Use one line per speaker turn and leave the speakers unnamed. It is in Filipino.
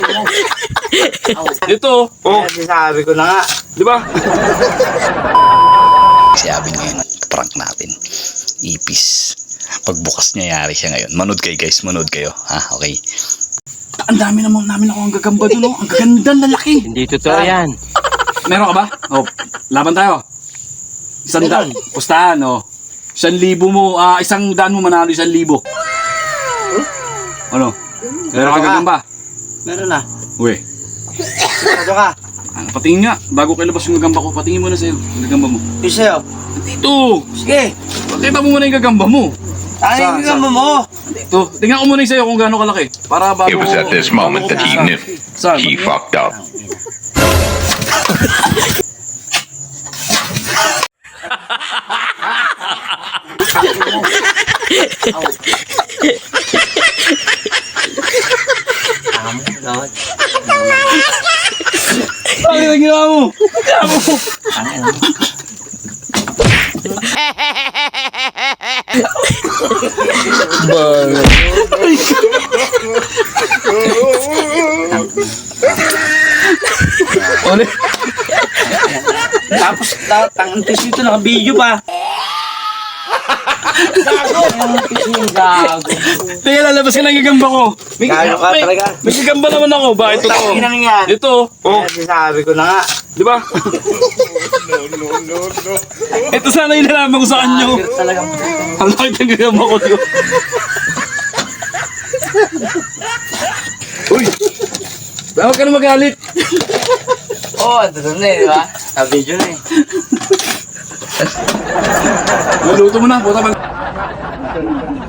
Ito, oh.
Sabi ko na nga.
Di ba?
Sabi ngayon, prank natin. Ipis. Pagbukas niya, yari siya ngayon. Manood kayo guys, manood kayo. Ha, okay.
Ang dami namin ako ang gagamba doon, oh. Ang gaganda, lalaki.
Hindi totoo yan.
Meron ka ba? Oh, laban tayo. 100. Pustahan, oh. 1,000 mo, 100 mo manalo 1,000. Ano? Meron ka gagamba?
Meron na.
Uy.
Ano ka?
Patingin nga. Bago kayo labas yung gagamba ko, patingin mo na sa'yo. Yung gagamba mo.
Isa sa'yo.
Dito!
Sige.
Pakita mo muna yung gagamba mo.
Ay, yung gagamba mo.
Dito. Tingnan ko muna yung sa'yo kung gaano kalaki. Para bago...
It was at this moment that he knew
Saan?
he fucked up.
Bakit ang ginawa mo? Ginawa mo! Ulit.
Tapos, tangang tissue ito, naka-video pa. Gago.
Tingnan, lalabas ka ng gagamba ko.
Gago ka talaga.
May gagamba naman ako. Ba, ito to.
Tangin na yan.
Ito. Oh,
Sabi ko na nga.
di ba? Ito sana yung nalaman ko sa kanyo.
Talagang
Ang laki ng gagamba ko. Diyo. Uy! Huwag ka na magalit.
Oo, ito na eh, di ba? Sa-video na eh.
Maluto mo na. Puta mag...